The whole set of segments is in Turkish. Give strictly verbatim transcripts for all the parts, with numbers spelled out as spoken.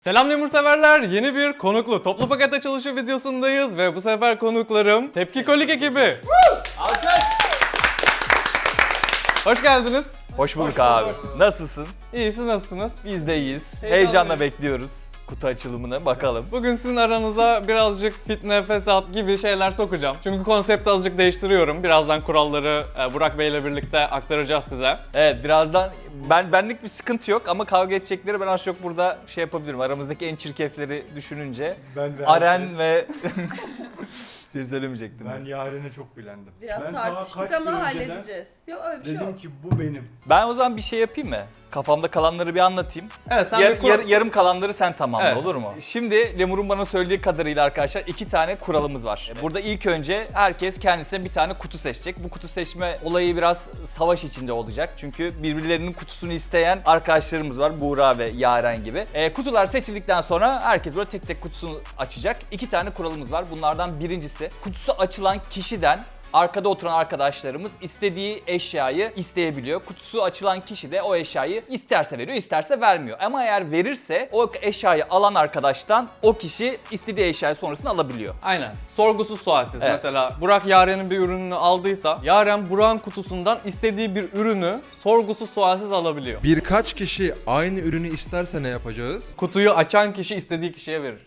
Selam Lemur severler, yeni bir konuklu toplu paket açılışı videosundayız ve bu sefer konuklarım Tepki Kolik ekibi. Hoş geldiniz. Hoş bulduk abi. Nasılsın? İyi, siz nasılsınız? Biz de iyiyiz. Heyecanlıyız. Heyecanla bekliyoruz kutu açılımını. Bakalım. Bugün sizin aranıza birazcık fitne, fesat gibi şeyler sokacağım. Çünkü konsepti azıcık değiştiriyorum. Birazdan kuralları e, Burak Bey ile birlikte aktaracağız size. Evet, birazdan ben benlik bir sıkıntı yok ama kavga edecekleri ben az çok burada şey yapabilirim. Aramızdaki en çirkefleri düşününce Ben de Aren herkes- ve şey söylemeyecektim. Ben Yaren'e çok bilendim. Biraz ben daha tartıştık kaç ama gün önceden halledeceğiz. Yok öyle bir şey Dedim yok. ki bu benim. Ben o zaman bir şey yapayım mı? Kafamda kalanları bir anlatayım. Evet, sen Yar- bir kur- yar- yarım kalanları sen tamamla, Evet. olur mu? Şimdi Lemur'un bana söylediği kadarıyla arkadaşlar iki tane kuralımız var. Burada ilk önce herkes kendisine bir tane kutu seçecek. Bu kutu seçme olayı biraz savaş içinde olacak. Çünkü birbirlerinin kutusunu isteyen arkadaşlarımız var. Buğra ve Yaren gibi. E, kutular seçildikten sonra herkes böyle tek tek kutusunu açacak. İki tane kuralımız var. Bunlardan birincisi kutusu açılan kişiden arkada oturan arkadaşlarımız istediği eşyayı isteyebiliyor. Kutusu açılan kişi de o eşyayı isterse veriyor, isterse vermiyor. Ama eğer verirse o eşyayı alan arkadaştan o kişi istediği eşyayı sonrasında alabiliyor. Aynen. Sorgusuz sualsiz. Evet. Mesela Burak Yaren'in bir ürününü aldıysa Yaren Burak'ın kutusundan istediği bir ürünü sorgusuz sualsiz alabiliyor. Birkaç kişi aynı ürünü isterse ne yapacağız? Kutuyu açan kişi istediği kişiye verir.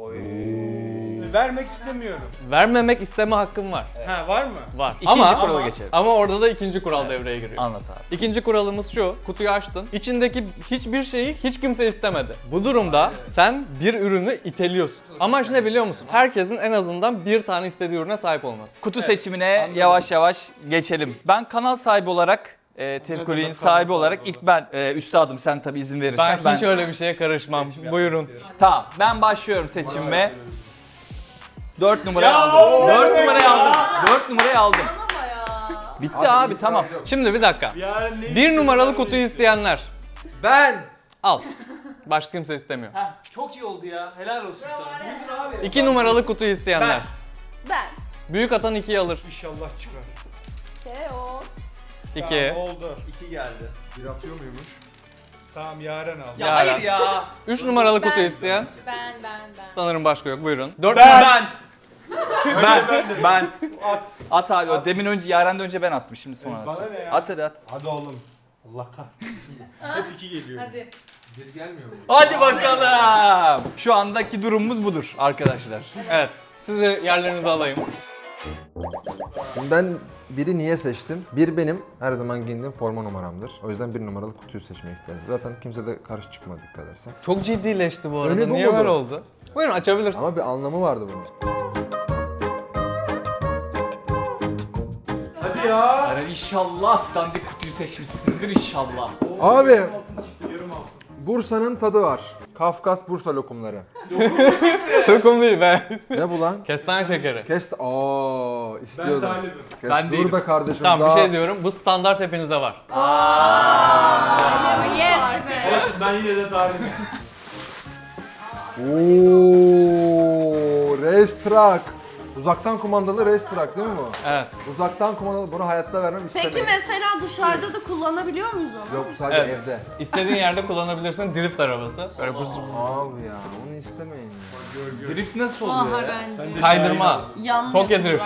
Vermek istemiyorum. Vermemek isteme hakkım var. Ha var mı? Var. İkinci ama kurala geçelim. ama orada da ikinci kural devreye giriyor. Anlat abi. İkinci kuralımız şu, kutuyu açtın, içindeki hiçbir şeyi hiç kimse istemedi. Bu durumda sen bir ürünü iteliyorsun. Amaç ne biliyor musun? Herkesin en azından bir tane istediği ürüne sahip olması. Kutu seçimine yavaş yavaş geçelim. Ben kanal sahibi olarak e, Tepkoli'nin demek sahibi kanal olarak sahibi ilk ben e, üstadım sen tabii izin verirsen Ben, hiç öyle bir şeye karışmam. Buyurun. Tamam, ben başlıyorum seçimime. dört numarayı aldım. dört numarayı aldım. dört numarayı aldım. Ama ya. Bitti abi, tamam. Şimdi bir dakika. Yaren ne Bir numaralı kutuyu isteyenler Ben! al. Başka kimse istemiyor. Çok iyi oldu ya. Helal olsun sana. İki numaralı kutuyu isteyenler. Ben. Büyük atan ikiyi alır. İnşallah çıkar. Keos. İki. Tamam, oldu. İki geldi. Bir atıyor muymuş? Tamam Yaren al. Ya hayır ya. Üç numaralı kutu Ben. isteyen. Ben ben ben. Sanırım başka yok. Buyurun. Dört Ben. Ben. Ben. At. At abi. o Demin önce Yaren'den önce ben atmışım. Şimdi sonra Bana atacağım. ne ya? At hadi at. Hadi oğlum. Allah kahretsin. Hep iki geliyor. Hadi. Bir gelmiyor mu? Hadi bakalım. Şu andaki durumumuz budur arkadaşlar. Evet. Sizi yerlerinize alayım. Şimdi ben biri niye seçtim? Bir benim her zaman giyindiğim forma numaramdır. O yüzden bir numaralı kutuyu seçmeye ihtiyacım. Zaten kimse de karşı çıkmadı dikkat edersen. Çok ciddileşti bu arada. Öyle bu Niye mudur? böyle oldu? Buyurun açabilirsin. Ama bir anlamı vardı bunun. Hadi ya. Aren inşallah dandik kutuyu seçmişsindir inşallah. Abi Altın çıktı, yarım altın. Bursa'nın tadı var. Kafkas Bursa lokumları. Lokum değil be. Ne bu lan? Kestane şekeri. Kest... Aa Ben istiyordum. talibim. Kes- Ben Dur değilim. be kardeşim. Tamam daha... bir şey diyorum. Bu standart hepinize var. Yes be. Olsun ben yine de talibim. Ooo, race truck. Uzaktan kumandalı race truck değil mi bu? Evet. Uzaktan kumandalı bunu hayatta vermem Peki istemeyin. mesela dışarıda da kullanabiliyor muyuz onu? Yok sadece Evet. evde. İstediğin yerde kullanabilirsin. Drift arabası. Böyle bu Abi ya onu istemeyin ya. Drift nasıl oluyor Aha ya? bence. kaydırma. Yanlış. Tokyo Drift.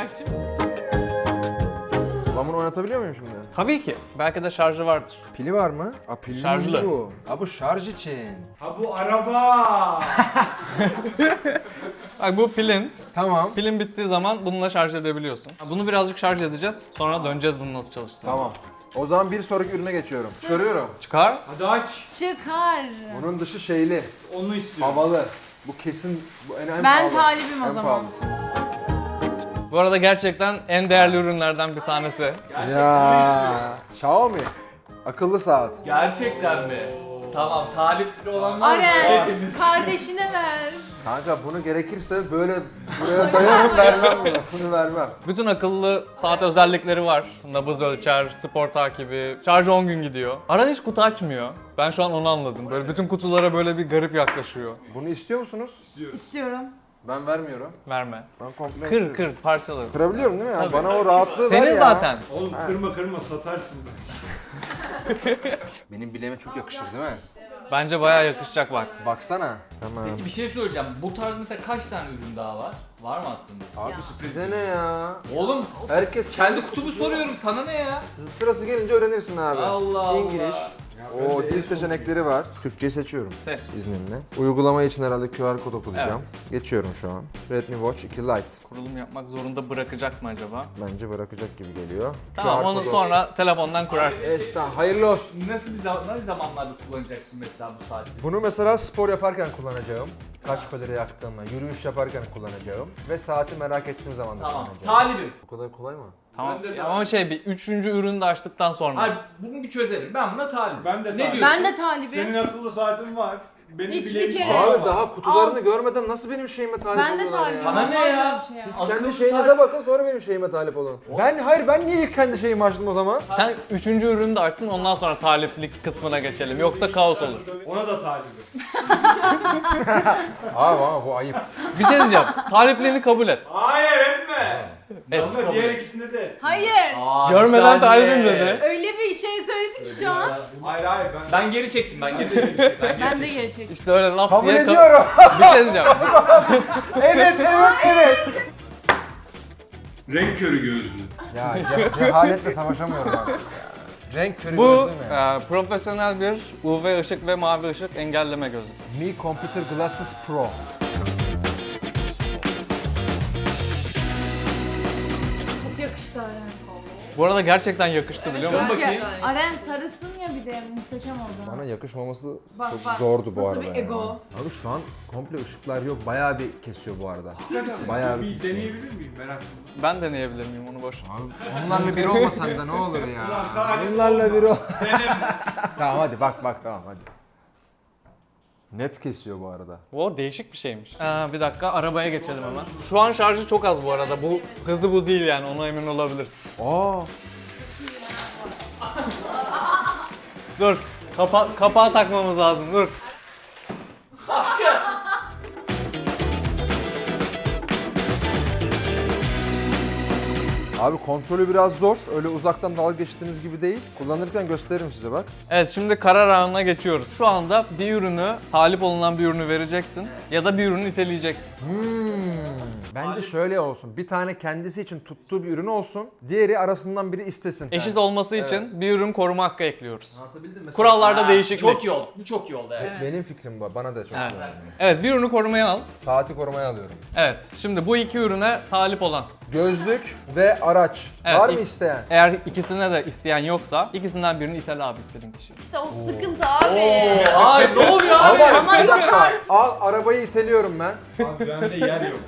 Ben bunu oynatabiliyor muyum şimdi? Tabii ki. Belki de şarjı vardır. Pili var mı? Aa pilli Şarjlı. bu. Ha bu şarj için. Ha bu araba. Bak bu pilin. Tamam. Pilin bittiği zaman bununla şarj edebiliyorsun. Bunu birazcık şarj edeceğiz. Sonra döneceğiz bunun nasıl çalıştığını. Tamam. O zaman bir sonraki ürüne geçiyorum. Çıkarıyorum. Çıkar. Hadi aç. Çıkar. Bunun dışı şeyli, Onu istiyorum. havalı. Bu kesin bu en, en Ben pahalı. talibim o En zaman. pahalısı. Bu arada gerçekten en değerli ürünlerden bir tanesi. Ya Xiaomi. Akıllı saat. Gerçekten mi? Tamam, talipli olan var mı? Aren Hepimiz. kardeşine ver. Kanka bunu gerekirse böyle buraya dayanıp vermem bunu. Bunu vermem. Bütün akıllı saat özellikleri var. Nabız ölçer, spor takibi, şarjı on gün gidiyor. Aran hiç kutu açmıyor. Ben şu an onu anladım. Böyle bütün kutulara böyle bir garip yaklaşıyor. Bunu istiyor musunuz? İstiyorum. Ben vermiyorum. Verme. Ben komple Kır kır parçaları. Kırabiliyorum değil mi ya? Bana o rahatlığı ver Senin ya. zaten. Oğlum kırma kırma satarsın. Benim bileğime çok yakışır değil mi? Bence bayağı yakışacak bak. Baksana. Tamam. Peki bir şey söyleyeceğim. Bu tarz mesela kaç tane ürün daha var? Var mı aklında? Abi size ne ya? Oğlum Herkes kendi kutumu soruyorum, sana ne ya? sırası gelince öğrenirsin abi. Allah Allah. İngiliz. O dil seçenekleri var. Türkçeyi seçiyorum. Seç. İzninle. Uygulama için herhalde Q R kod okuyacağım. Geçiyorum şu an. Redmi Watch iki Lite. Kurulum yapmak zorunda bırakacak mı acaba? Bence bırakacak gibi geliyor. Tamam Q R onu kodu- sonra telefondan kurarsın. Esna hayırlı olsun. Nasıl bir zaman, ne zamanlarda kullanacaksın mesela bu saati? Bunu mesela spor yaparken kullanacağım. Kaç kalori yaktığımı, yürüyüş yaparken kullanacağım. Ve saati merak ettiğim zaman da Tamam. kullanacağım. Talibim. Bu kadar kolay mı? Tamam. Ben de- Ama şey bir üçüncü ürünü de açtıktan sonra. Hayır, bunu bir çözelim. Ben buna talibim. Ben de Ne talibim. diyorsun? Ben de talibim. Senin akıllı saatin var. Benim Hiçbir bile bir kere- şey Abi var. daha kutularını görmeden nasıl benim şeyime talip Ben de oluyorlar talibim. ya? Sana ne Olmaz ya? böyle bir şey ya. Siz Akıllı kendi şeyinize saat- bakın sonra benim şeyime talip olun. Ben hayır ben niye ilk kendi şeyimi açtım o zaman? Sen üçüncü ürünü de açsın ondan sonra taliplik kısmına geçelim. Yoksa kaos olur. Ona da talibim. Abi ama bu ayıp. Bir şey diyeceğim. Talipliğini kabul et. Hayır etme. Et. Ama diğer ikisinde de. Hayır. Aa, bir Görmeden saniye. talibim dedi. Öyle bir şey söyledik ki şu an. Hayır hayır ben. Ben geri çektim, ben geri çektim. Ben geri Ben de çektim. geri çektim. İşte öyle laf Kabul diye ka- ediyorum. bir şey diyeceğim. evet evet evet. Renk körü gözlü. Ya ce- cehaletle savaşamıyorum abi. Renk körü Bu gözlüğü ne? e, profesyonel bir U V ışık ve mavi ışık engelleme gözlüğü. Mi Computer Glasses Pro. Çok yakıştı Aren. Bu arada gerçekten yakıştı biliyor musun? bakayım. Aren sarısın ya bir de muhteşem oldu. Bana yakışmaması Bak, çok bak. zordu bu Nasıl arada bir ya. ego? Abi şu an komple ışıklar yok. Bayağı bir kesiyor bu arada. Bayağı bir Bir kesiyor. deneyebilir miyim merak ettim. Ben deneyebilir miyim onu boş ver. Abi onlarla biri olmasan da ne olur ya. Ulan talip Bunlarla biri ol. Tamam hadi bak bak tamam hadi. Net kesiyor bu arada. O değişik bir şeymiş. Aa, bir dakika arabaya geçelim hemen. Şu an şarjı çok az bu arada. Bu hızlı bu değil yani ona emin olabilirsin. Aa. Dur. Kapa kapağı takmamız lazım. Dur. Abi kontrolü biraz zor. Öyle uzaktan dalga geçtiğiniz gibi değil. Kullanırken gösteririm size bak. Evet şimdi karar anına geçiyoruz. Şu anda bir ürünü, talip olunan bir ürünü vereceksin ya da bir ürünü iteleyeceksin. Hmm. Bence şöyle olsun. Bir tane kendisi için tuttuğu bir ürün olsun. Diğeri arasından biri istesin. Eşit olması için bir ürün koruma hakkı ekliyoruz. Anlatabildim mi? Kurallarda Ha, değişiklik. Çok iyi oldu. Bu çok iyi oldu evet. Benim fikrim bu. Bana da çok Evet. güzel. Evet bir ürünü korumaya al. Saati korumaya alıyorum. Evet şimdi bu iki ürüne talip olan. Gözlük ve araç. Evet, Var mı ilk- isteyen? Eğer ikisine de isteyen yoksa ikisinden birini itel abi istediğin kişi. İşte o sıkıntı abi. Ay ne oluyor abi? Ama, Ama bir yok dakika. artık. Al arabayı iteliyorum ben. Abi bende yer yok.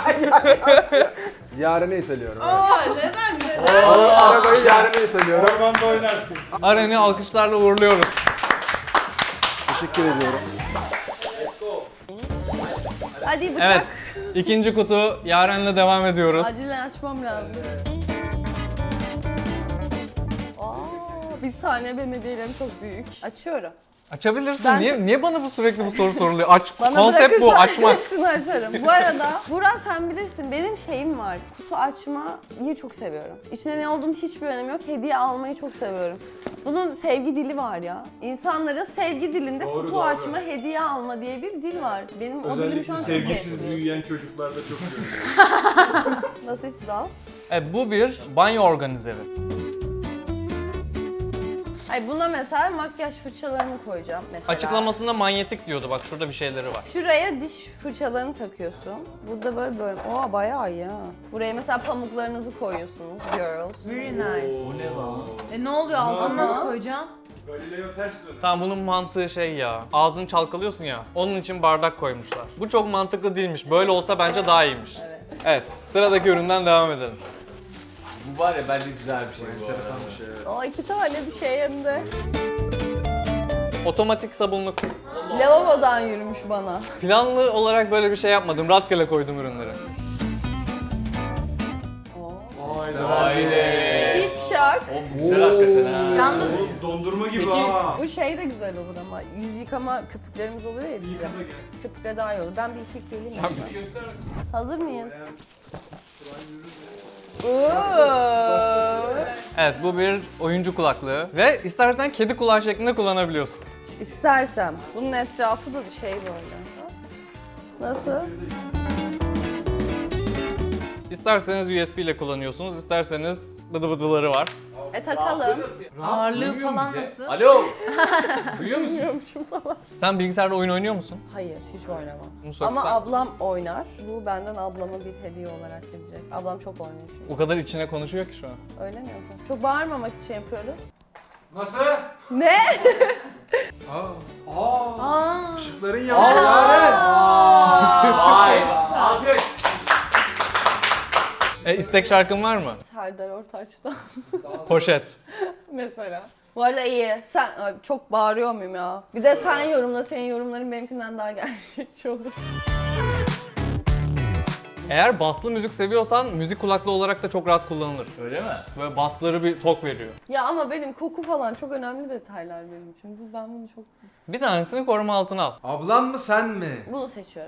Yaren'i iteliyorum. evet. Aa, neden neden? Ara- Arabayı Yaren'e iteliyorum. Ormanda oynarsın. Aren'i alkışlarla uğurluyoruz. Teşekkür ediyorum. Hadi bıçak. Evet ikinci kutu Yaren'le devam ediyoruz. Acilen açmam lazım. Aa, bir saniye benim hediyelerim çok büyük. Açıyorum. Açabilirsin. Ben- Niye niye bana bu sürekli bu soru soruluyor? Aç. Bana Konsept bu bırakırsan açmak. hepsini açarım. Bu arada Burak sen bilirsin benim şeyim var. Kutu açmayı çok seviyorum. İçinde ne olduğunu hiçbir önemi yok. Hediye almayı çok seviyorum. Bunun sevgi dili var ya. İnsanların sevgi dilinde Doğru, kutu doğru. açma, hediye alma diye bir dil var. Benim o dilim şu an Özellikle çok sevgisiz etkiliyor. büyüyen çocuklarda çok görüyorum. Nasıl das? Evet bu bir banyo organizeri. Ay buna mesela makyaj fırçalarını koyacağım mesela. Açıklamasında manyetik diyordu. Bak şurada bir şeyleri var. Şuraya diş fırçalarını takıyorsun. Burada böyle böyle. Oha bayağı iyi ha. Buraya mesela pamuklarınızı koyuyorsunuz girls. Very nice. O ne lan? E ne oluyor altını nasıl koyacağım? Galileo ters döner. Tamam bunun mantığı şey ya. Ağzını çalkalıyorsun ya. Onun için bardak koymuşlar. Bu çok mantıklı değilmiş. Böyle olsa bence daha iyiymiş. Evet. Evet. Sıradaki üründen devam edelim. Bu var ya bence güzel bir şey bu arada. Aa iki tane bir şey hem de. Otomatik sabunluk. Lavabodan yürümüş bana. Planlı olarak böyle bir şey yapmadım. Rastgele koydum ürünleri. Şipşak. O güzel hakikaten ha. Yalnız Oğlum dondurma gibi Peki, ha. Bu şey de güzel olur ama yüz yıkama köpüklerimiz oluyor ya bizim. Yıkada gel. Köpükle daha iyi olur. Ben bir itek geleyim mi? Göster. Hazır mıyız? Oo. Evet bu bir oyuncu kulaklığı. Ve istersen kedi kulağı şeklinde kullanabiliyorsun. İstersem. Bunun etrafı da şey böyle. Nasıl? İsterseniz U S B ile kullanıyorsunuz, isterseniz bıdı bıdıları var. E takalım. Ağırlığı falan nasıl? Alo. Duyuyor musun? Sen bilgisayarda oyun oynuyor musun? Hayır, hiç oynamam. Musa, Ama sen ablam oynar. Bu benden ablama bir hediye olarak gelecek. Ablam çok oynuyor çünkü. o kadar içine konuşuyor ki şu an. Öyle mi yapalım? Çok bağırmamak için yapıyorum. Nasıl? Ne? Aa. Aa. Aa. Işıkların yanıyor Yaren. Vay. Alkış. E istek şarkın var mı? Serdar Ortaç'tan Poşet. mesela. Bu arada iyi. Sen Ay, çok bağırıyor muyum ya? Bir de sen yorumla. Senin yorumların benimkinden daha gerçekçi olur. Eğer baslı müzik seviyorsan müzik kulaklığı olarak da çok rahat kullanılır. Öyle mi? Böyle basları bir tok veriyor. Ya ama benim koku falan çok önemli detaylar benim için. Bu ben bunu çok... Bir tanesini koruma altına al. Ablan mı sen mi? Bunu seçiyorum.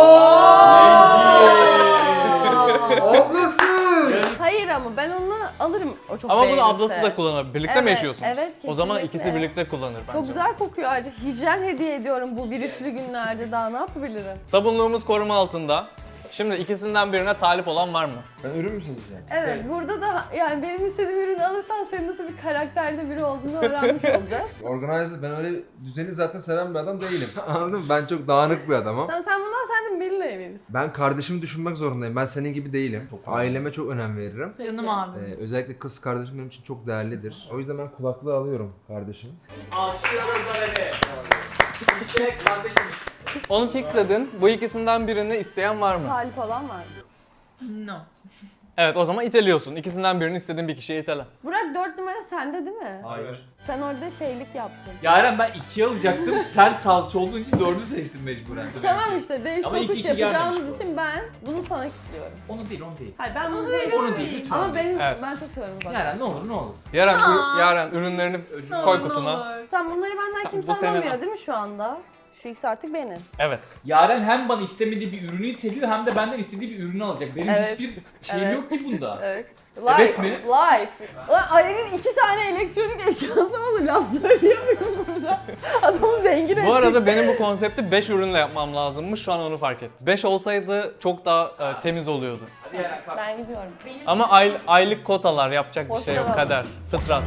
Ablası. Hayır ama ben onu alırım. O çok Ama bunu beğenirse. ablası da kullanır. Birlikte mi Evet, yaşıyorsunuz? evet, O zaman kesinlikle. ikisi birlikte kullanır bence. Çok güzel kokuyor ayrıca. Hijyen hediye ediyorum bu virüslü günlerde. Daha ne yapabilirim? Sabunluğumuz koruma altında. Şimdi ikisinden birine talip olan var mı? Ben ürün mü seçeceğim? Evet, burada da yani benim istediğim ürünü alırsan senin nasıl bir karakterde biri olduğunu öğrenmiş olacağız. Organizer, ben öyle düzeni zaten seven bir adam değilim. Anladın mı? Ben çok dağınık bir adamım. Tamam, sen bundan sen de Melih'le verirsin. Ben kardeşimi düşünmek zorundayım. Ben senin gibi değilim. Aileme çok önem veririm. Canım abi. Ee, özellikle kız kardeşim benim için çok değerlidir. O yüzden ben kulaklığı alıyorum kardeşim. Alkışlıyoruz Zaren'i. İşte kardeşim. Onu fixledin. Bu ikisinden birini isteyen var mı? Talip olan var mı? No. Evet, o zaman iteliyorsun. İkisinden birini istediğin bir kişiye itele. Burak dört numara sende değil mi? Hayır. Sen orada şeylik yaptın. Yaren ben ikiye alacaktım. Sen salça olduğun için dördü seçtin mecburen. Tamam işte değiş Ama iki tokuş iki yapacağımız gelmemiş bu. için ben bunu sana kilitliyorum. Onu değil, onu değil. Hayır ben bunu değil, Onu değil lütfen. Ama benim Evet. ben çok seviyorum bak. Yaren ne olur ne olur. Yaren, Aa. ür- Yaren ürünlerini koy kutuna. Tamam bunları benden Sen- kimse bu senin alamıyor al. değil mi şu anda? Şu ikisi artık benim. Evet. Yaren hem bana istemediği bir ürünü iteliyor hem de benden istediği bir ürünü alacak. Benim Evet. hiçbir şeyim Evet. yok ki bunda. Evet. Evet Life. mi? Life. Ulan Aren'in iki tane elektronik eşyası olur. Laf söylüyor muyuz burada? Adamı zengin ettik. Bu arada benim bu konsepti beş ürünle yapmam lazımmış. Şu an onu fark ettim. beş olsaydı çok daha e, temiz oluyordu. Hadi Yaren kalk. Ben gidiyorum. Ama ay- aylık kotalar, yapacak bir şey yok. Hoşçakalın. Kader, fıtrat.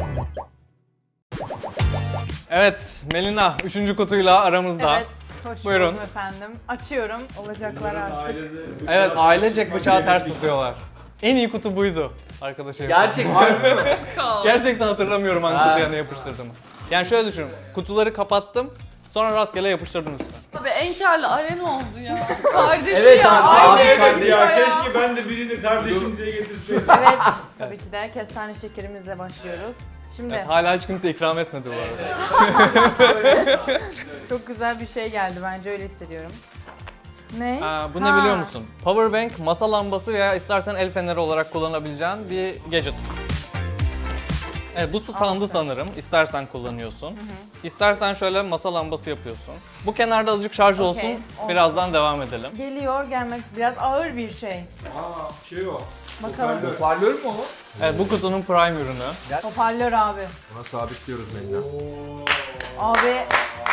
Evet, Melina üçüncü kutuyla aramızda. Evet. Hoş Buyurun. buldum efendim. Açıyorum. Olacaklar artık. Evet, ailecek bıçağı ters tutuyorlar. En iyi kutu buydu arkadaşım. Gerçekten. Gerçekten hatırlamıyorum hangi Ha. kutuya ne yapıştırdığımı. Yani şöyle düşünün, kutuları kapattım, sonra rastgele yapıştırdım üstüne. Abi en karlı Aren oldu ya. Kardeşi Evet ya. abi, abi kardeş. Ya keşke ben de birini kardeşim diye getirseydim. Evet. Tabii ki de kestane şekerimizle başlıyoruz. Şimdi Evet, hala hiç kimse ikram etmedi bu arada. çok güzel bir şey geldi bence öyle hissediyorum. Ne? Aa, bu ne Ha. biliyor musun? Powerbank, masa lambası veya istersen el feneri olarak kullanabileceğin bir gadget. Evet, bu standı sanırım. İstersen kullanıyorsun. İstersen şöyle masa lambası yapıyorsun. Bu kenarda azıcık şarj Okey, olsun. olsun. Birazdan devam edelim. Geliyor gelmek biraz ağır bir şey. Aa şey o. Bakalım. Hoparlör mü o? Evet, bu kutunun prime ürünü. Hoparlör abi. Buna sabitliyoruz Melina. Abi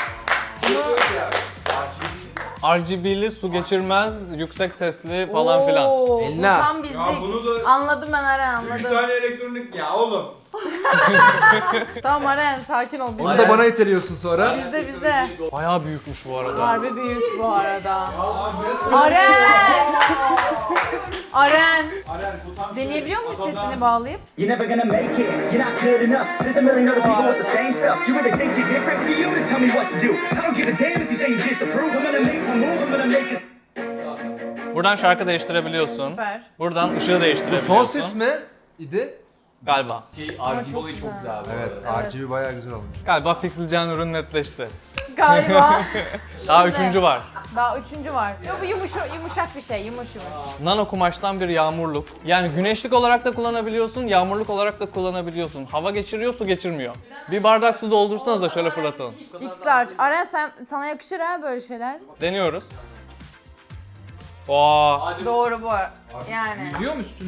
R G B'li, su geçirmez, yüksek sesli falan filan. Oo, bu Elina. tam bizlik. Ya bunu da Anladım ben Aren üç anladım. tane elektronik ya oğlum. Tamam Aren sakin ol. Onu Bizde da bana iteliyorsun sonra. bizde bizde. Bayağı büyükmüş bu arada. Harbi büyük bu arada. Aren! Aren! Aren bu tam Deneyebiliyor muyuz Adamdan- sesini bağlayıp? You're never gonna make it, you're not good enough. There's a million other people with the same stuff. You really think you're different? For you to tell me what to do. I don't give a damn if you say you disapprove. I'm gonna make one move, I'm gonna make it. Buradan şarkı değiştirebiliyorsun. Süper. Buradan ışığı değiştirebiliyorsun. Son ses mi? İdi. Galiba. Şey, R G B olayı çok güzel abi. Evet, Evet. R G B bayağı güzel olmuş. Galiba fixleyeceğin ürün netleşti. Galiba. Daha Şimdi. üçüncü var. Daha üçüncü var. Yok bu yumuşak, yumuşak bir şey, yumuş yumuş. Nano kumaştan bir yağmurluk. Yani güneşlik olarak da kullanabiliyorsun, yağmurluk olarak da kullanabiliyorsun. Hava geçiriyor, su geçirmiyor. Bir bardak su doldursanız da şöyle fırlatalım. X large. Aren sen, sana yakışır ha böyle şeyler. Deniyoruz. Oo. Hadi. Doğru bu. Yani. Yüzüyor mu üstünde?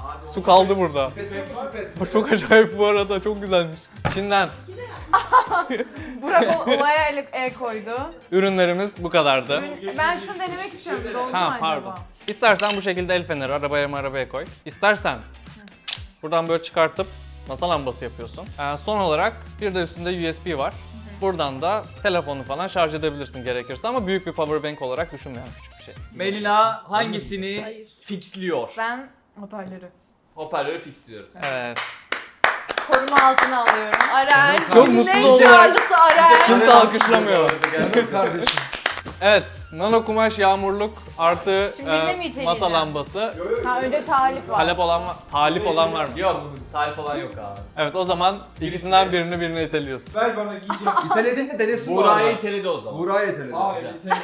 Su kaldı burada. Bu çok acayip bu arada, çok güzelmiş. Çin'den Burak o olaya el, el koydu. ürünlerimiz bu kadardı. Ben şunu denemek istiyorum. Doldu mu Ha acaba? pardon. İstersen bu şekilde el feneri arabaya mı arabaya koy. İstersen buradan böyle çıkartıp masa lambası yapıyorsun. Ee, son olarak bir de üstünde U S B var. Buradan da telefonu falan şarj edebilirsin gerekirse ama büyük bir power bank olarak düşünme, yani küçük bir şey. Melina hangisini fixliyor? Ben hoparlörü. Hoparlörü fixliyorum. Evet. Koruma altına alıyorum. Aren. Çok günün mutsuz en olarak- karlısı Aren. Kimse alkışlamıyor. kardeşim. Evet, nano kumaş yağmurluk artı Şimdi birine mi e, iteleyeceğim? masa lambası. Ha önce talip var. Talep olan var, talip olan var mı? Yok, sahip olan yok abi. Evet, o zaman ikisinden birini birine iteliyorsun. Ver bana giyeceğim. İteledin de denesin bu Buğra'yı arada. iteledi o zaman. Buğra'yı iteledi. Hayır, itelim.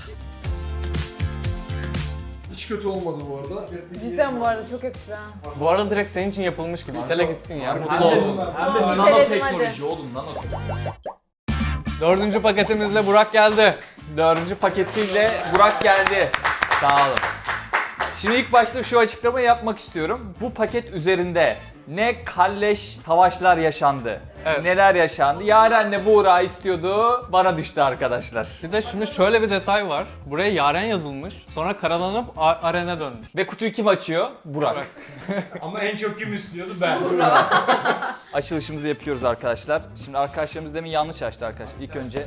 Hiç kötü olmadı bu arada. Cidden bu arada çok yakıştı ha. Bu arada direkt senin için yapılmış gibi. İtele gitsin ya, Hem mutlu de, olsun. hem de Tamam, nanoteknoloji iteledim oğlum, nanoteknoloji. Dördüncü paketimizle Burak geldi. Dördüncü paketiyle Burak geldi. Sağ olun. Şimdi ilk başta şu açıklamayı yapmak istiyorum. Bu paket üzerinde ne kalleş savaşlar yaşandı, Evet. neler yaşandı. Yaren'le Buğra istiyordu, bana düştü arkadaşlar. Bir de şimdi şöyle bir detay var. Buraya Yaren yazılmış. Sonra karalanıp A- Aren'e dönmüş. Ve kutuyu kim açıyor? Burak. Burak. Ama en çok kim istiyordu ben. Açılışımızı yapıyoruz arkadaşlar. Şimdi arkadaşlarımız demin yanlış açtı arkadaşlar. İlk önce...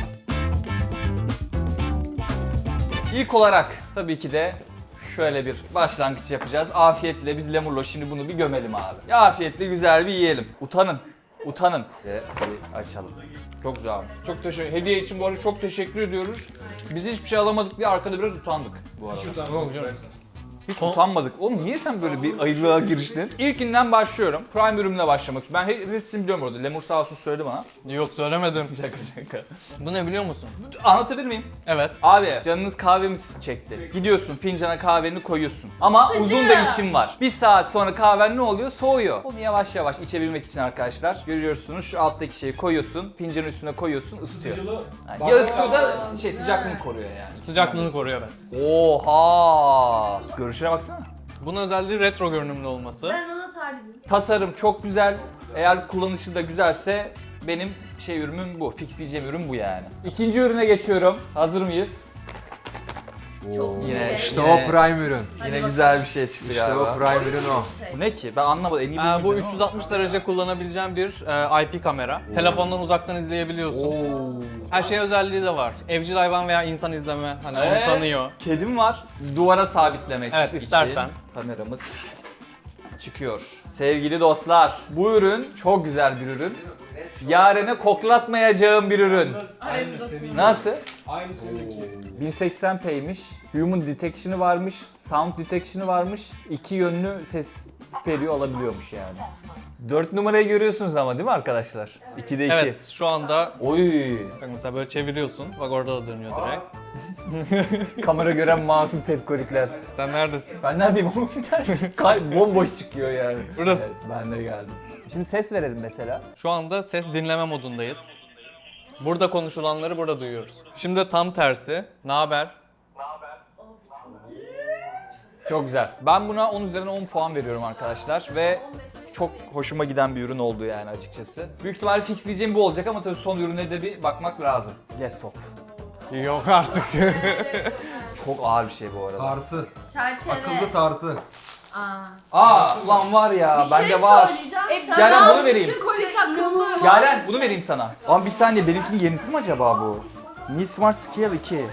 İlk olarak tabii ki de şöyle bir başlangıç yapacağız. Afiyetle biz Lemurlo şimdi bunu bir gömelim abi. Ya afiyetle güzel bir yiyelim. Utanın. Utanın. Ve bir açalım. Çok güzel. Çok teşekkür Hediye için bu arada çok teşekkür ediyoruz. Biz hiçbir şey alamadık diye arkada biraz utandık bu arada. Yok canım. Hiç utanmadık. Oğlum niye sen böyle bir ayrılığa giriştin? İlkinden başlıyorum. Prime ürünle başlamak istiyorum. Ben he- hepsini biliyorum orada. Lemur sağ olsun söyledi bana. Yok, söylemedim. Şaka şaka. Bu ne biliyor musun? Anlatabilir miyim? Evet. Abi canınız kahvemiz çekti. Gidiyorsun fincana kahveni koyuyorsun. Ama uzun da işin var. Bir saat sonra kahven ne oluyor? Soğuyor. Onu yavaş yavaş içebilmek için arkadaşlar görüyorsunuz şu alttaki şeyi koyuyorsun. Fincanın üstüne koyuyorsun, ısıtıyor. Yani ya ısıtıyor da şey sıcaklığını koruyor yani. Sıcaklığını koruyor ben. Oha! Görüşüne baksana. Bunun özelliği retro görünümlü olması. Ben ona talibim. Tasarım çok güzel. Eğer kullanışı da güzelse benim şey ürünüm bu. Fixleyeceğim ürün bu yani. İkinci ürüne geçiyorum. Hazır mıyız? Çok Yine- güzel. İşte Yine- o prime ürün. Yine güzel bir şey çıktı İşte galiba. o prime ürün o. Bu ne ki? Ben anlamadım. En iyi Ee, bildiğim bu ama. üç yüz altmış derece kullanabileceğin bir e, I P kamera. Telefondan uzaktan izleyebiliyorsun. Oo. Her şey özelliği de var. Evcil hayvan veya insan izleme, hani Ee? onu tanıyor. Kedim var. Duvara sabitlemek Evet, için istersen. kameramız çıkıyor. Sevgili dostlar, bu ürün çok güzel bir ürün. Yaren'e koklatmayacağım bir ürün. Aynı senin. Nasıl? Aynı seninki. bin seksen p'ymiş. Human detection'ı varmış. Sound detection'ı varmış. İki yönlü ses stereo alabiliyormuş yani. dört numarayı görüyorsunuz ama değil mi arkadaşlar? ikide iki. Evet, şu anda Oy. bak mesela böyle çeviriyorsun. Bak orada da dönüyor direkt. Kamera gören masum tepkolikler. Sen neredesin? Ben neredeyim oğlum? Gerçi kay- bomboş çıkıyor yani. Burası. Evet, ben de geldim. Şimdi ses verelim mesela. Şu anda ses dinleme modundayız. Burada konuşulanları burada duyuyoruz. Şimdi tam tersi. Ne haber? Çok güzel. Ben buna on üzerinden on puan veriyorum arkadaşlar ve çok hoşuma giden bir ürün oldu yani açıkçası. Büyük ihtimalle fixleyeceğim bu olacak ama tabii son ürüne de bir bakmak lazım. Laptop. Yok artık. Çok ağır bir şey bu arada. Tartı. Çerçeve. Akıllı tartı. Aa. Aa ulan var ya Bir bende şey var. söyleyeceğim. E, Sen Yaren al bunu vereyim. bütün kolyesi akıllı. Yaren bunu vereyim sana. Ama bir saniye benimkinin yenisi mi acaba bu? Mi Smart Scale iki.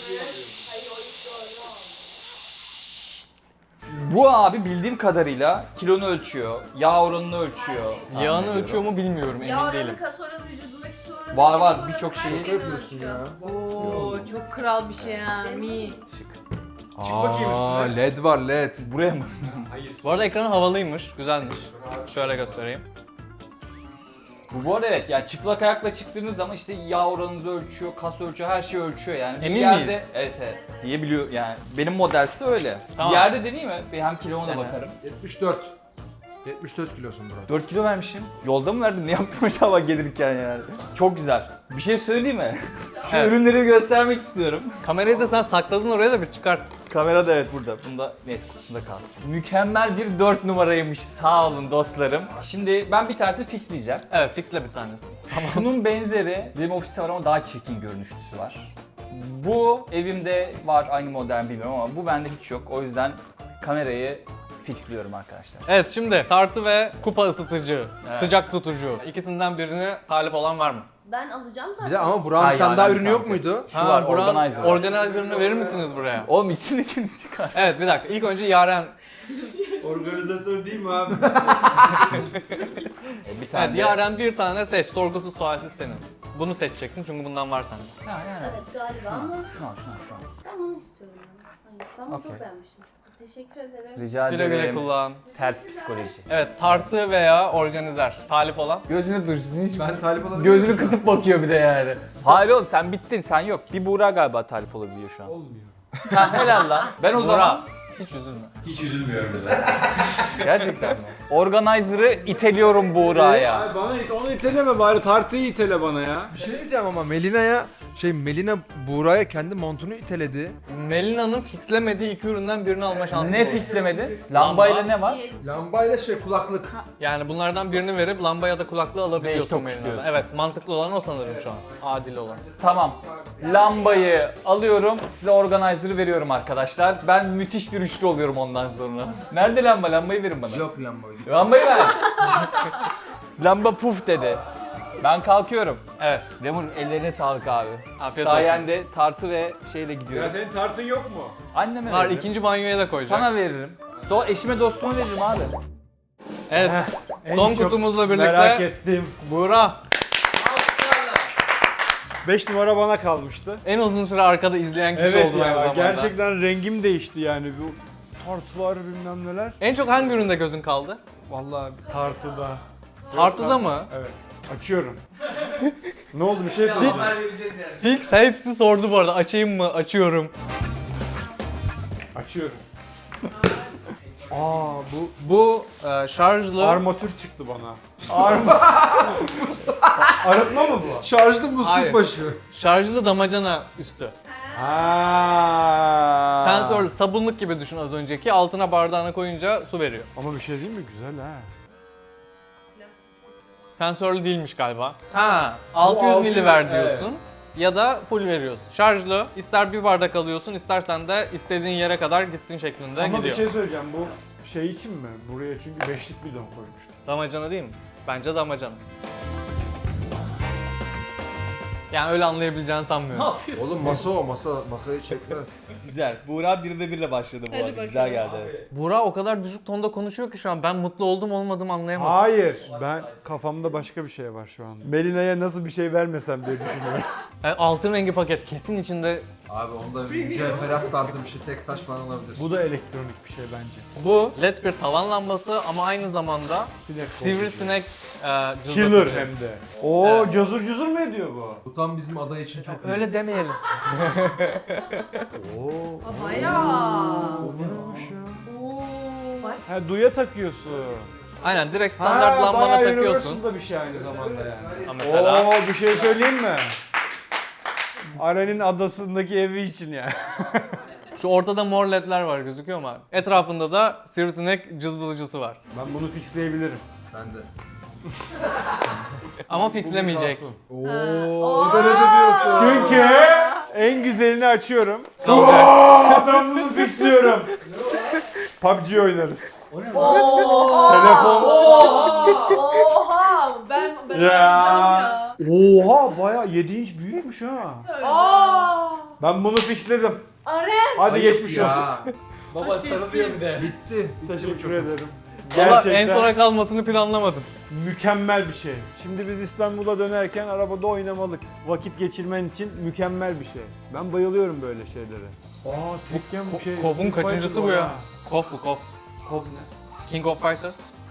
Bu abi bildiğim kadarıyla kilonu ölçüyor, yağ oranını ölçüyor. Yağını Anlıyorum. ölçüyor mu bilmiyorum, emin Yağ değilim. oranı, kas oranı, vücudundaki su oranı. Var, var, vücut birçok oranı, her şeyi şeyi yapıyorsun ölçüyor. ya. Oo çok kral bir şey ha. Mi. bakayım Aa, üstüne. led var led. Buraya mı? Bu arada ekranı havalıymış, güzelmiş. Şöyle göstereyim. Bu bu arada evet yani çıplak ayakla çıktığınız zaman işte yağ oranınızı ölçüyor, kas ölçüyor, her şeyi ölçüyor yani. Bir Emin yerde, miyiz? Evet evet. Diyebiliyor yani. Benim modelse öyle. Tamam. Bir yerde deneyeyim mi? Bir hem kiloma da Dene. bakarım. yetmiş dört. yetmiş dört kilosun Burak. dört kilo vermişim. Yolda mı verdim? Ne yaptım acaba gelirken yani? Çok güzel. Bir şey söyleyeyim mi? Şu Evet. ürünleri göstermek istiyorum. Kamerayı da sen sakladın oraya da bir çıkart. Kamera da evet burada. Bunda neyse kutusunda kalsın. Mükemmel bir dört numaraymış. Sağ olun dostlarım. Şimdi ben bir tanesi fixleyeceğim. Evet, fixle bir tanesi. Bunun benzeri benim ofiste var ama daha çirkin görünüşlüsü var. Bu evimde var, aynı model bilmiyorum ama bu bende hiç yok. O yüzden kamerayı fixliyorum arkadaşlar. Evet, şimdi tartı ve kupa ısıtıcı, sıcak tutucu. İkisinden birini talip olan var mı? Ben alacağım zaten. Bir de ama Burak'ın Ha, bir tane yani daha bir ürünü yok tanesi. muydu? Şu var, Burak'ın organizer. organizer'ını verir misiniz buraya? Oğlum içindekini çıkar. Evet, bir dakika. İlk önce Yaren. Organizatör değil mi abi? E, bir tane Evet, de- Yaren bir tane seç. Sorgusuz sualsiz senin. Bunu seçeceksin çünkü bundan var sende. Ha, yani. Evet galiba ama Şunu al, şunu al, şunu al. ben bunu istiyorum. ya. Hayır, ben bunu Okey. çok beğenmiştim. Çok teşekkür ederim. Rica Güle güle ederim. kullan. Ters psikoloji. Evet, tartı veya organizer. Talip olan. Gözünü dursun hiç. Ben talip olabilirim. Gözünü kısıp bakıyor bir de yani. Hayır oğlum sen bittin, sen yok. Bir Buğra galiba talip olabiliyor şu an. Olmuyor. Ha helal lan. Ben o Burak, zaman hiç üzülme. Hiç üzülmüyorum bile. gerçekten mi? Organizer'ı iteliyorum Buğra'ya. Ay bana it, onu iteleme bari tartıyı itele bana ya. Bir şey diyeceğim ama Melina'ya şey Melina Buğra'ya kendi montunu iteledi. Melina'nın fixlemediği iki üründen birini alma şansı Ne olur. fixlemedi? Lambayla ne var? Lambayla şey kulaklık. Yani bunlardan birini verip lamba ya da kulaklığı alabiliyorsun Değiş tokuş Melina'dan. diyorsun. Evet, mantıklı olan o sanırım şu an. Adil olan. Tamam. Lambayı alıyorum, size organizer'ı veriyorum arkadaşlar. Ben müthiş bir üçlü oluyorum ondan sonra. Nerede lamba? Lambayı verin bana. Yok lambayı. Lambayı ver. Lamba puf dedi. Ben kalkıyorum. Evet. Lemur ellerine sağlık abi. Afiyet olsun. Sayende tartı ve şeyle Ya gidiyorum. senin tartın yok mu? Anneme Var, veririm. ikinci banyoya da koyacak. Sana veririm. Do eşime dostuma veririm abi. Evet. En Son çok kutumuzla birlikte Merak ettim. Buğra. beş numara bana kalmıştı. En uzun süre arkada izleyen kişi Evet oldum aynı ya zamanda. gerçekten rengim değişti yani bu tartılar bilmem neler. En çok hangi üründe gözün kaldı? Vallahi tartıda. Tartıda mı? Evet. Açıyorum. Ne oldu bir şey söyleyeceğim. Fix hepsi sordu bu arada. Açayım mı? Açıyorum. Açıyorum. Aa bu Bu e, şarjlı. armatür çıktı bana. Arma. Arıtma mı bu? Şarjlı musluk Hayır. başı. Şarjlı damacana üstü. Ha. Sensörlü sabunluk gibi düşün az önceki. Altına bardağına koyunca su veriyor. Ama bir şey değil mi? Güzel ha. Sensörlü değilmiş galiba. Ha, altı yüz altı milli yüz, ver diyorsun. Ya da full veriyorsun. Şarjlı. İster bir bardak alıyorsun, istersen de istediğin yere kadar gitsin şeklinde Ama gidiyor. bir şey söyleyeceğim bu şey için mi? Buraya çünkü beşlik bidon koymuştum. Damacana değil mi? Bence damacana. Yani öyle anlayabileceğini sanmıyorum. Oğlum masa o masa masayı çekmez. Güzel. Buğra bir de birle başladı bu Hadi arada. Güzel bakalım. geldi evet. Buğra o kadar düşük tonda konuşuyor ki şu an ben mutlu oldum olmadım anlayamadım. Hayır. Ben kafamda başka bir şey var şu an. Melina'ya nasıl bir şey vermesem diye düşünüyorum. Yani altın rengi paket kesin içinde. Abi onda mücevherat tarzı bir şey tek taş falan olabilir. Bu da elektronik bir şey bence. Bu led bir tavan lambası ama aynı zamanda Sinek sivrisinek e, Killer cızlatıcı. hem de. Oo cazur cazur mu ediyor bu? Bu tam bizim aday için çok iyi. Öyle demeyelim. Oo. Bayağı. Bu neymiş ya? Oo. Bak. Ha duya takıyorsun. Aynen direkt standart Ha, lambana bayağı takıyorsun. Universal'da bir şey aynı zamanda yani. Ha, mesela Oo bir şey söyleyeyim mi? Aren'in adasındaki evi için yani. şu ortada mor ledler var gözüküyor mu abi? Etrafında da sivrisinek cızbızıcısı var. Ben bunu fixleyebilirim. Ben de. Ama fixlemeyecek. Kalsın. Oo, o derece diyorsun. Çünkü en güzelini açıyorum. Kalacak. Aa, ben bunu fixliyorum. P U B G oynarız. Telefon. Oha! Ben ben Ya. ya. Oha baya yedi inç büyükmüş ha. Aa! Ben bunu fixledim. Aren! Hadi geçmiş olsun. Ya. Baba sarılıyor bir de. Bitti. Teşekkür ederim. Valla Gerçekten en sona kalmasını planlamadım. mükemmel bir şey. Şimdi biz İstanbul'a dönerken arabada oynamalık. Vakit geçirmen için mükemmel bir şey. Ben bayılıyorum böyle şeylere. Aa tekken bu şey. Kof'un Street kaçıncısı Fighter bu var ya? ha. Kof bu Kof. Kof ne? King of Fighter.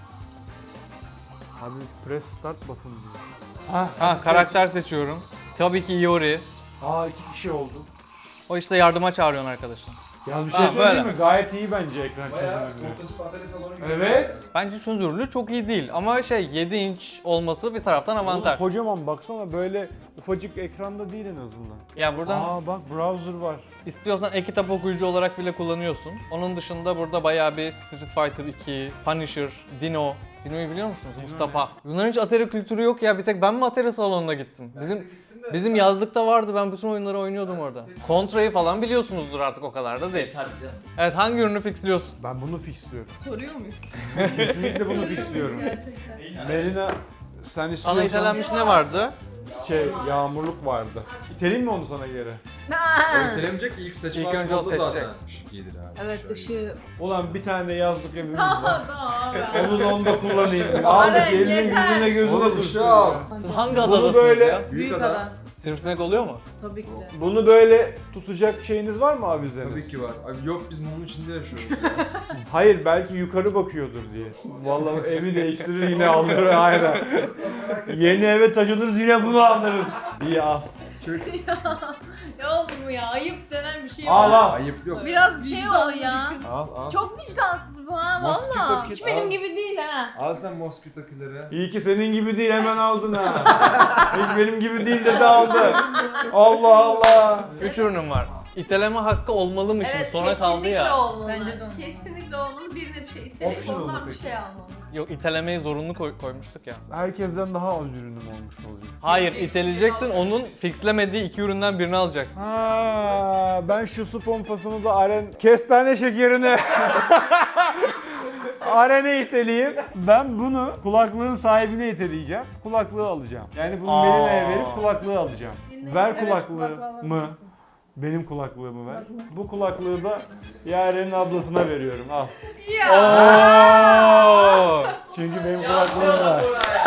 Abi press start button diyor. Ha, Ha karakter seçiyorum. Tabii ki Iori. Aa iki kişi oldu. O işte yardıma çağırıyorsun arkadaşını. Ya bir şey Ha, söyleyeyim böyle. mi? Gayet iyi bence ekran çözünürlüğü. atölye salonu gibi. Evet. Bence çözünürlüğü çok iyi değil ama şey yedi inç olması bir taraftan avantaj. Oğlum kocaman baksana, böyle ufacık ekranda değil en azından. Ya buradan Aa bak, browser var. istiyorsan e-kitap okuyucu olarak bile kullanıyorsun. Onun dışında burada bayağı bir Street Fighter iki, Punisher, Dino. Dino'yu biliyor musunuz? Mustafa. Bunların hiç Atari kültürü yok ya. Bir tek ben mi Atari salonuna gittim? Bizim bizim yazlıkta vardı. Ben bütün oyunları oynuyordum orada. Contra'yı falan biliyorsunuzdur artık, o kadar da değil. Tabii canım. Evet, hangi ürünü fixliyorsun? Ben bunu fixliyorum. Soruyor muyuz? Kesinlikle bunu fixliyorum. Melina, sen Sana istiyorsan itelenmiş ne vardı? şey, yağmurluk vardı. İteleyim mi onu sana geri? O itelemeyecek ilk seçim İlk önce o oldu seçecek. zaten. Şık iyidir abi. Evet, Şöyle. ışığı. Ulan bir tane yazlık evimiz var. Tamam abi. Onu da onu da kullanayım. Aldık, elinin yeter. yüzüne gözüne Oğlum, dursun ışığı al. ya. Siz hangi Bunu adadasınız böyle- ya? Büyük ada. adam. Sivrisinek oluyor mu? Tabii ki de. Bunu böyle tutacak şeyiniz var mı avizeniz? Tabii ki var. Abi yok, biz mumun içinde yaşıyoruz ya. Hayır, belki yukarı bakıyordur diye. Vallahi evi değiştirir yine alır aynen. Yeni eve taşınırız yine bunu alırız. İyi al. Ya oğlum ya, ayıp denen bir şey Al var. al. Ayıp yok. Biraz şey ol ya. Al al. Çok vicdansız bu ha Mosquito valla. kit Hiç benim al. gibi değil ha. Al sen mosquito killeri. İyi ki senin gibi değil, hemen aldın ha. Hiç benim gibi değil dedi, aldı. Allah Allah. Üç ürünüm var. İteleme hakkı olmalı mı şimdi? Sona kaldı ya. olmalı. Bence de olmalı. Kesinlikle olmalı. Birine bir şey iteleyip Optional mı ondan bir peki? şey almalı. Yok, itelemeyi zorunlu koy- koymuştuk ya. Herkesten daha az ürünüm olmuş olacak. Hayır, iteleyeceksin, onun fixlemediği iki üründen birini alacaksın. Ha, ben şu su pompasını da Aren kestane şekerini Aren'e iteleyeyim. Ben bunu kulaklığın sahibine iteleyeceğim. Kulaklığı alacağım. Yani bunu Aa. Melina'ya verip kulaklığı alacağım. Ver Evet, kulaklığı kulaklığı mı? alabilirsin. Benim kulaklığımı ver. Bu kulaklığı da Yaren'in ablasına veriyorum. Al. Oo! Çünkü benim kulaklığım var.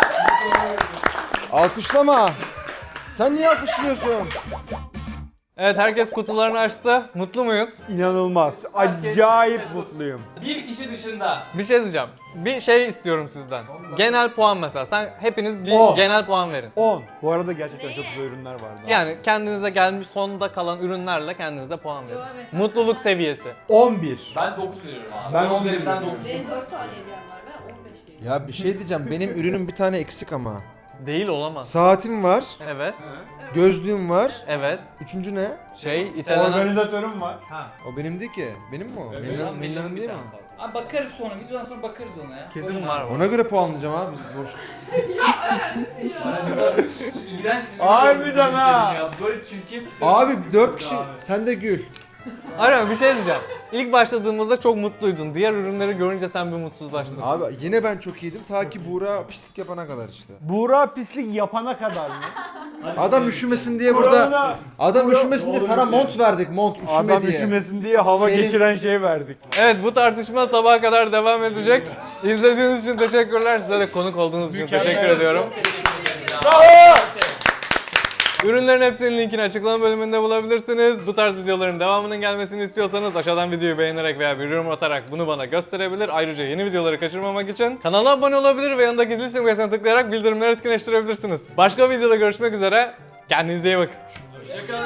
Alkışlama. Sen niye alkışlıyorsun? Evet, herkes kutularını açtı. Mutlu muyuz? İnanılmaz. Acayip mutluyum. Bir kişi dışında. Bir şey diyeceğim. Bir şey istiyorum sizden. Genel puan mesela. Sen hepiniz bir On. genel puan verin. on. Bu arada gerçekten çok güzel ürünler vardı. Yani kendinize gelmiş sonda kalan ürünlerle kendinize puan verin. Yo, evet. Mutluluk seviyesi. on bir. Ben dokuz veriyorum abi. Ben On on üzerinden veriyorum. dokuz. Benim dört tane hediyem var. Ben on beş veriyorum. Ya bir şey diyeceğim. Benim ürünüm bir tane eksik ama. Değil, olamaz. Saatim var. Evet. Gözlüğüm var. Evet. Üçüncü ne? Şey, itelenen... Organizatörüm var. O benim değil ki. Benim mi o? Milyon- Millan, Millan'ın değil mi? Abi bakarız sonra, videodan sonra bakarız ona ya. Kesin var mı? Ona göre puanlayacağım abi biz boş. İğrenç bir Harbiden ha. ya. Böyle çirkin. Abi dört kişi. Sen de gül. Aynen, bir şey diyeceğim. İlk başladığımızda çok mutluydun. Diğer ürünleri görünce sen bir mutsuzlaştın. Abi yine ben çok iyiydim ta ki Buğra pislik yapana kadar işte. Buğra pislik yapana kadar mı? Adam üşümesin diye burada. Buğra'na- Adam üşümesin diye sana mont verdik. Mont üşüme Adam diye. üşümesin diye hava Senin- geçiren şey verdik. Evet, bu tartışma sabaha kadar devam edecek. İzlediğiniz için teşekkürler. Size de konuk olduğunuz için teşekkür ediyorum. Ürünlerin hepsinin linkini açıklama bölümünde bulabilirsiniz. Bu tarz videoların devamının gelmesini istiyorsanız aşağıdan videoyu beğenerek veya bir yorum atarak bunu bana gösterebilir. Ayrıca yeni videoları kaçırmamak için kanala abone olabilir ve yanındaki zil simgesine tıklayarak bildirimleri etkinleştirebilirsiniz. Başka videoda görüşmek üzere. Kendinize iyi bakın. Hoşçakalın.